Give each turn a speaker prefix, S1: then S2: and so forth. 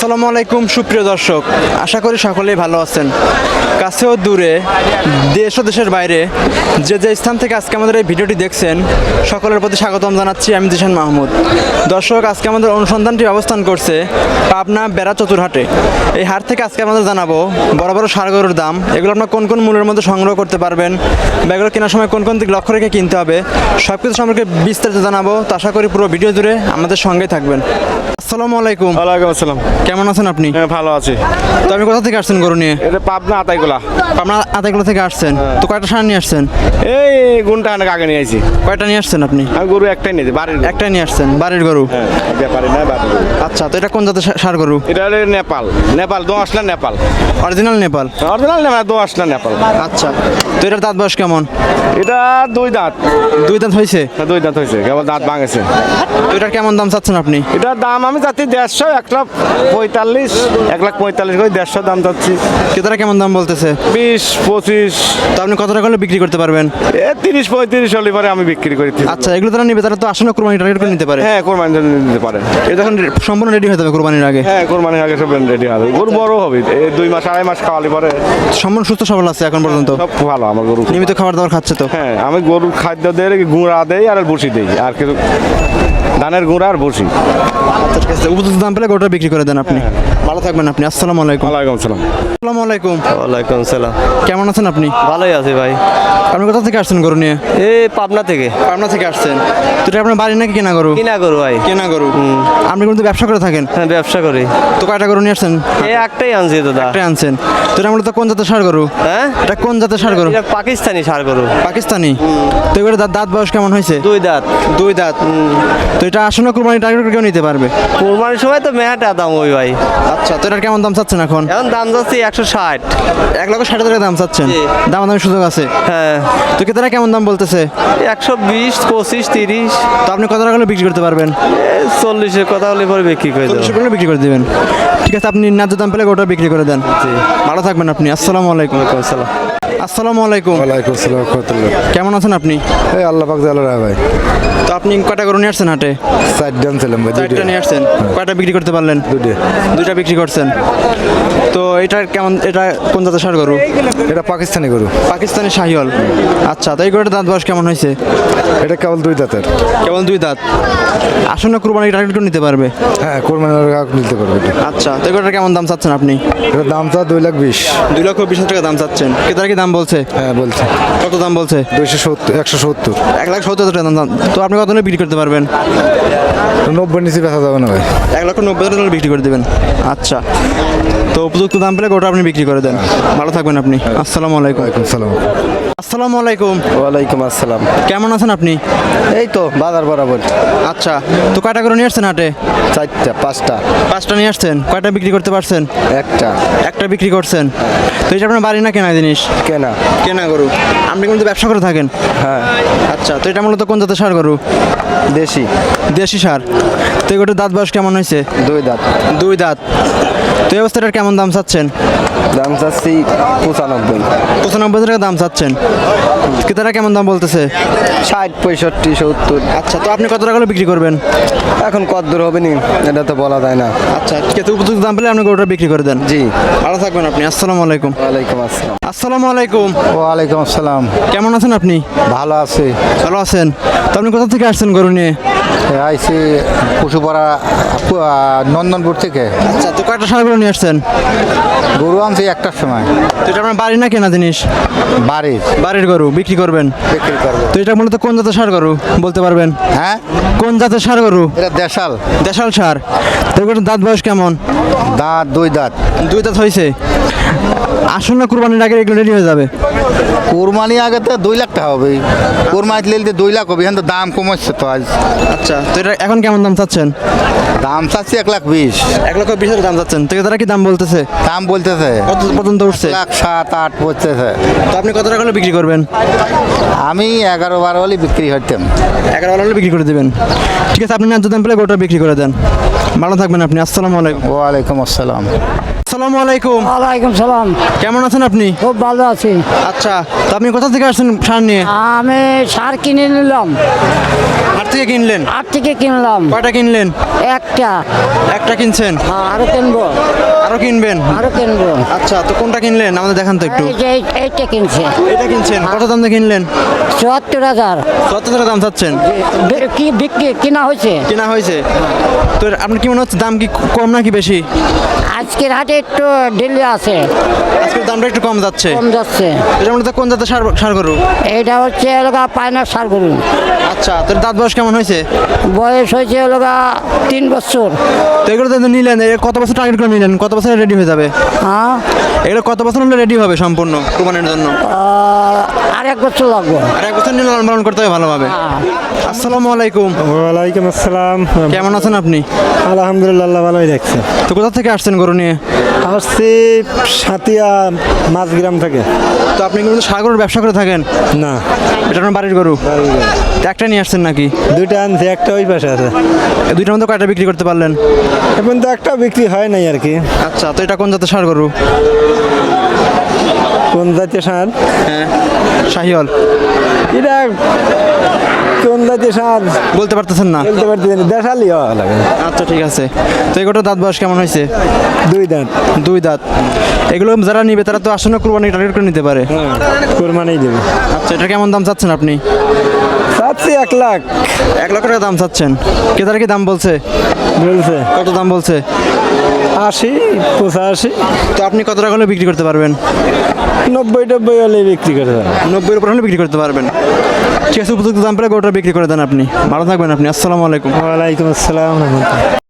S1: আসসালামু আলাইকুম সুপ্রিয় দর্শক, আশা করি সকলেই ভালো আছেন। কাছেও দূরে, দেশ ও দেশের বাইরে যে যে স্থান থেকে আজকে আমাদের এই ভিডিওটি দেখছেন, সকলের প্রতি স্বাগতম জানাচ্ছি আমি জিশান মাহমুদ। দর্শক, আজকে আমাদের অনুসন্ধানটি অবস্থান করছে পাবনা বেড়া চতুরহাটে। এই হাট থেকে আজকে আমাদের জানাবো বড় বড় ষাঁড় গরুর দাম, এগুলো আপনার কোন কোন মূল্যের মধ্যে সংগ্রহ করতে পারবেন বা এগুলো কেনার সময় কোন কোন দিক লক্ষ্য রেখে কিনতে হবে, সব কিছু সম্পর্কে বিস্তারিত জানাবো। তো আশা করি পুরো ভিডিও জুড়ে আমাদের সঙ্গেই থাকবেন। আসসালামু আলাইকুম।
S2: ওয়ালাইকুম আসসালাম।
S1: কেমন আছেন আপনি?
S2: হ্যাঁ, ভালো আছি।
S1: তো আপনি কোথা থেকে আসছেন গরু নিয়ে?
S2: এটা পাবনা আতাইগুলা।
S1: আপনার আতাইগুলো থেকে আসছেন, তো কয়টা ষাঁড় নিয়ে আসছেন?
S2: এই গুণটা অনেক আগে নিয়ে আইছি।
S1: কয়টা নিয়ে আসছেন আপনি?
S2: আমি গরু একটাই নিয়েছি, বাড়ির গরু।
S1: একটাই নিয়ে আসছেন, বাড়ির গরু।
S2: হ্যাঁ, ব্যাপারী না বাড়ির গরু।
S1: আচ্ছা, তো এটা কোন জাতের ষাঁড় গরু?
S2: এটা হলো নেপাল দো আসলা নেপাল।
S1: অরিজিনাল নেপাল?
S2: অরিজিনাল নেপাল, দো আসলা নেপাল।
S1: আচ্ছা, তো এটার দাঁত বয়স কেমন?
S2: এটা দুই দাঁত।
S1: দুই দাঁত হয়েছে?
S2: হ্যাঁ, দুই দাঁত হয়েছে, কেবল দাঁত ভাঙেছে।
S1: তো এটার কেমন দাম চাচ্ছেন আপনি?
S2: এটার দাম আমি যাচ্ছি 150, 1,45,000 করে 150 দাম যাচ্ছি।
S1: ক্রেতারা কেমন দাম বলতেছে?
S2: 20-25।
S1: তো আপনি কত টাকা হলে বিক্রি করতে পারবেন?
S2: 30-35 হলে পরে আমি বিক্রি করি।
S1: আচ্ছা, এগুলো তারা নিবে, তারা তো আসলে কোরবানি টার্গেট করে নিতে পারে।
S2: হ্যাঁ, কোরবানি জন্য নিতে পারে।
S1: এটা তখন সম্পূর্ণ রেডি হয়ে যাবে কোরবানির আগে।
S2: হ্যাঁ, কোরবানির আগে সব রেডি হবে। গরু বড় হবে, এই 2 মাস 2.5 মাস খাওয়ালে পরে
S1: সম্পূর্ণ সুস্থ সবল আছে এখন পর্যন্ত?
S2: সব ভালো আমার গরু।
S1: নিয়মিত খাবার দাবার খাচ্ছে তো?
S2: হ্যাঁ, আমি গরুর খাদ্য দেই, গুঁড়া দেই আর বসি দেই, আর কিছু ধানের গুঁড়া আর বসি।
S1: আচ্ছা, ঠিক আছে, উপযুক্ত দাম পেলে গরুটা বিক্রি করে দেন আপনি। ভালো থাকবেন আপনি। আসসালামু আলাইকুম।
S2: ওয়ালাইকুম আসসালাম।
S1: আসসালামু আলাইকুম।
S3: ওয়ালাইকুম সালাম।
S1: কেমন আছেন আপনি?
S3: ভালোই আছি ভাই।
S1: আপনি কোথা থেকে আসছেন গরু নিয়ে?
S3: এই পাবনা থেকে।
S1: পাবনা থেকে আসছেন? তো এটা আপনার বাড়ি নাকি কেনা গরু?
S3: কিনা করু ভাই।
S1: কেনা গরু। আপনি কিন্তু ব্যবসা করে থাকেন?
S3: হ্যাঁ, ব্যবসা করি।
S1: তো কয়টা গরু নিয়ে আসছেন?
S3: এই একটাই আনছি দাদা।
S1: একটা আনছেন? তো এটা মূলত কোন জাতের ষাঁড় গরু?
S3: হ্যাঁ,
S1: এটা কোন জাতের ষাঁড় গরু?
S3: এটা পাকিস্তানি ষাড় গরু।
S1: পাকিস্তানি? তো এগুলো দাঁত বয়স কেমন হয়েছে?
S3: দুই দাঁত।
S1: দুই দাঁত। তো এটা আসন্ন কুরবানি টার্গেট করে কেউ নিতে পারবে?
S3: কোরবানির সময় তো মেহাটা দাম ওই ভাই।
S1: আচ্ছা, তো এটার কেমন দাম চাচ্ছেন এখন?
S3: এখন দাম যাচ্ছে 160।
S1: 1,60,000 দাম চাচ্ছেন?
S3: জি।
S1: দামাদামি সুযোগ আছে?
S3: হ্যাঁ,
S1: তো ক্রেতারা কেমন দাম বলতেছে?
S3: 120, 25, 30।
S1: তো আপনি কত টাকা হলে বিক্রি করতে পারবেন?
S3: 40-এর কথা হলে পরে বিক্রি করে দেবো।
S1: 40 বিক্রি করে দিবেন। ঠিক আছে, আপনি ন্যায্য দাম পেলে গোটা বিক্রি করে দেন।
S3: জি।
S1: ভালো থাকবেন আপনি। আসসালামু আলাইকুম।
S3: আসসালাম।
S1: আসসালামু আলাইকুম।
S4: ওয়ালাইকুম আসসালাম রাহমাতুল্লাহ।
S1: কেমন আছেন আপনি?
S4: এই আল্লাহ পাক জালাল রায় ভাই।
S1: তো আপনি কয়টা গরু নিয়ে আসছেন হাটে?
S4: 4 জন ছিলাম ভাই,
S1: 4টা নিয়ে আসছেন। কয়টা বিক্রি করতে পারলেন? 2টা বিক্রি করছেন। তো এটা কেমন, এটা কোন জাতের ষাঁড় গরু?
S4: এটা পাকিস্তানি গরু।
S1: পাকিস্তানি শাহিওয়াল। আচ্ছা, তো এই গরুটার দাঁত বয়স কেমন হয়েছে?
S4: এটা কেবল 2 দাঁতের।
S1: কেবল 2 দাঁত। আসন্ন কুরবানি টার্গেট করে নিতে পারবে?
S4: হ্যাঁ, কোরবানির আগে নিতে পারবে এটা।
S1: আচ্ছা, তো এই গরুটার কেমন দাম চাচ্ছেন আপনি?
S4: এটার দাম তো 2,20,000।
S1: 2,20,000 টাকা দাম চাচ্ছেন। ক্রেতারা কি দাম বলছে?
S4: হ্যাঁ, বলছে
S1: কত দাম বলছে?
S4: 170।
S1: 1,70,000 টাকা দাম। তো আপনি কত হলে বিক্রি করতে পারবেন?
S4: 90 নিচে বেচা যাবে না ভাই।
S1: 1,90,000 টাকা বিক্রি করে দেবেন। আচ্ছা, তো উপযুক্ত দাম পেলে গোটা আপনি বিক্রি করে দেন। ভালো থাকবেন আপনি। আসসালামু আলাইকুম।
S4: ওয়ালাইকুম সালাম।
S1: আসসালামু আলাইকুম।
S3: ওয়ালাইকুম আসসালাম।
S1: কেমন আছেন আপনি?
S3: এই তো বাজার বরাবর।
S1: আচ্ছা, তো কয়টা করে নিয়ে আসছেন হাটে?
S3: 4টা 5টা।
S1: 5টা নিয়ে আসছেন। কয়টা বিক্রি করতে পারছেন?
S3: একটা
S1: একটা বিক্রি করছেন। তো এটা আপনার বাড়ি না কেনা জিনিস?
S3: কেনা।
S1: কেনা গরু। আপনি কিন্তু ব্যবসা করে থাকেন?
S3: হ্যাঁ,
S1: আচ্ছা, তো এটা মূলত কোন জাতের ষাঁড় গরু?
S3: দেশি।
S1: দেশি ষাঁড়। তো এগুলোর দাঁত বয়স কেমন হয়েছে?
S3: 2 দাঁত।
S1: 2 দাঁত। তো এই অবস্থাটার কেমন দাম চাচ্ছেন?
S3: দাম চাচ্ছি 95।
S1: 95,000 টাকা দাম চাচ্ছেন। ক্রেতারা কেমন দাম বলতেছে?
S3: 60, 65, 70।
S1: আচ্ছা, তো আপনি কত টাকা হলে বিক্রি করবেন?
S3: এখন কত দূর হবে নি এটা তো বলা যায় না।
S1: আচ্ছা, ঠিক আছে, উপযুক্ত দাম পেলে আপনি গরুটা বিক্রি করে দেন।
S3: জি।
S1: ভালো থাকবেন আপনি। আসসালামু আলাইকুম।
S3: ওয়ালাইকুম আসসালাম।
S1: আসসালামু আলাইকুম।
S4: ওয়ালাইকুম আসসালাম।
S1: কেমন আছেন আপনি?
S4: ভালো আছি।
S1: ভালো আছেন? তো আপনি কোথা থেকে আসছেন গরু নিয়ে?
S4: আইছি পশুপাড়া নন্দনপুর থেকে।
S1: আচ্ছা, তো কয়টা ষাঁড় গরু নিয়ে আসছেন?
S4: গরু আনছি একটার সময়।
S1: তো এটা আপনার বাড়ি না কেনা জিনিস?
S4: বাড়ির
S1: বাড়ির গরু বিক্রি করবেন?
S4: বিক্রি করবো।
S1: তো এটা মূলত কোন জাতের ষাঁড় গরু বলতে পারবেন?
S4: হ্যাঁ,
S1: কোন জাতের ষাঁড় গরু?
S4: এটা দেশাল।
S1: দেশাল ষাঁড়। তো এগুলোর দাঁত বয়স কেমন?
S4: দাঁত 2 দাঁত।
S1: 2 দাঁত হয়েছে। আসন্ন কুরবানির আগে এগুলো রেডি হয়ে যাবে?
S4: কোরবানি আগে তো 2 লাখ টাকা হবে। কোরবানি লিলতে 2 লাখ হবে, এখন তো দাম কমাচ্ছে তো আজ।
S1: আচ্ছা, তো এটা এখন কেমন দাম চাচ্ছেন?
S4: দাম চাচ্ছি 1,20,000।
S1: 1,20,000 দাম চাচ্ছেন। তো তারা কি দাম বলতেছে?
S4: দাম বলতেছে
S1: কত পর্যন্ত উঠছে?
S4: 1,07,8 বলতেছে।
S1: তো আপনি কত টাকা হলে বিক্রি করবেন?
S4: আমি 11-12 হলে বিক্রি হইতাম।
S1: 11 হলে বিক্রি করে দেবেন। ঠিক আছে, আপনি ন্যায্য দাম পেলে গোটা বিক্রি করে দেন। ভালো থাকবেন আপনি। আসসালামু আলাইকুম।
S4: ওয়ালাইকুম আসসালাম।
S1: আসসালামু আলাইকুম।
S5: ওয়ালাইকুম সালাম।
S1: কেমন আছেন আপনি?
S5: খুব ভালো আছি।
S1: আচ্ছা, তো আপনি কোথা থেকে আসছেন সার নিয়ে?
S5: আমি সার কিনে নিলাম,
S1: হাট থেকে কিনলেন?
S5: হাট থেকে কিনলাম
S1: কয়টা কিনলেন?
S5: একটা।
S1: একটা কিনছেন,
S5: আরো কিনবো,
S1: আরো কিনবেন?
S5: আরো কিনবো।
S1: আচ্ছা, তো কোনটা কিনলেন আমাদের দেখান তো একটু।
S5: এই যে এইটা কিনছে
S1: এটা কিনছেন, কত দাম দিয়ে কিনলেন?
S5: ৭৪,০০০।
S1: কত টাকা দাম চাচ্ছেন?
S5: কি বিক্রি কিনা হয়েছে?
S1: কেনা হয়েছে। তো আপনার কি মনে হচ্ছে দাম কি কম নাকি বেশি?
S5: আজকের হাটে একটু ঢিলে আছে,
S1: আজকের দামটা একটু কম যাচ্ছে।
S5: কম যাচ্ছে।
S1: এটার মধ্যে কোন জাতের সার সার গরু?
S5: এইটা হচ্ছে এলাকা পায়নার সার গরু।
S1: আচ্ছা, তোর দাঁত বয়স কেমন হয়েছে?
S5: বয়স হয়েছে এলাকা 3 বছর।
S1: তো এগুলো তো নিলেন, এর কত বছর টার্গেট করে নিলেন? কত বছরে রেডি হয়ে যাবে?
S5: হ্যাঁ,
S1: এগুলো কত বছর হলে রেডি হবে সম্পূর্ণ কুরবানির জন্য?
S5: আর 1 বছর লাগবে।
S1: আর এক বছর নিয়ে লালন পালন করতে হবে ভালোভাবে। আসসালামু আলাইকুম।
S6: ওয়ালাইকুম আসসালাম।
S1: কেমন আছেন আপনি?
S6: আলহামদুলিল্লাহ, আল্লাহ ভালোই দেখছে।
S1: তো কোথা থেকে আসছেন গরু নিয়ে?
S6: আসছি সাতিয়া মাঝগ্রাম থেকে।
S1: তো আপনি কিন্তু সার গরুর ব্যবসা করে থাকেন?
S6: না,
S1: এটা আপনার বাড়ির গরু? তো একটা নিয়ে আসছেন নাকি?
S6: দুইটা আনছি, একটা ওই পাশে আছে।
S1: এই দুইটার মধ্যে কয়টা বিক্রি করতে পারলেন?
S6: এখন তো একটা বিক্রি হয় নাই আর কি।
S1: আচ্ছা, তো এটা কোন জাতের সার গরু?
S6: কোন জাতীয় সার?
S1: হ্যাঁ, শাহিওয়াল।
S6: এটা কোন জাতীয় সার
S1: বলতে পারতেছেন না?
S6: বলতে পারতেছি না, দেশালি হওয়া লাগে।
S1: আচ্ছা, ঠিক আছে। তো এগুলোর দাঁত বয়স কেমন হয়েছে?
S6: 2 দাঁত।
S1: 2 দাঁত। এগুলো যারা নিবে তারা তো আসন্ন কুরবানি টার্গেট করে নিতে পারে।
S6: হ্যাঁ, কোরবানি দেবে।
S1: আচ্ছা, এটা কেমন দাম চাচ্ছেন আপনি?
S6: চাচ্ছি 1 লাখ
S1: 1 লাখ টাকা দাম চাচ্ছেন। ক্রেতারা কি দাম বলছে?
S6: বলছে।
S1: কত দাম বলছে?
S6: 80, 85,
S1: তো আপনি কত টাকা হলে বিক্রি করতে পারবেন?
S6: 90 হলে বিক্রি করে দেবে।
S1: 90-এর উপর হলে বিক্রি করতে পারবেন। ঠিক আছে, উপযুক্ত দাম পেলে গরুটা বিক্রি করে দেন আপনি। ভালো থাকবেন আপনি। আসসালামু আলাইকুম।
S6: ওয়ালাইকুম আসসালাম।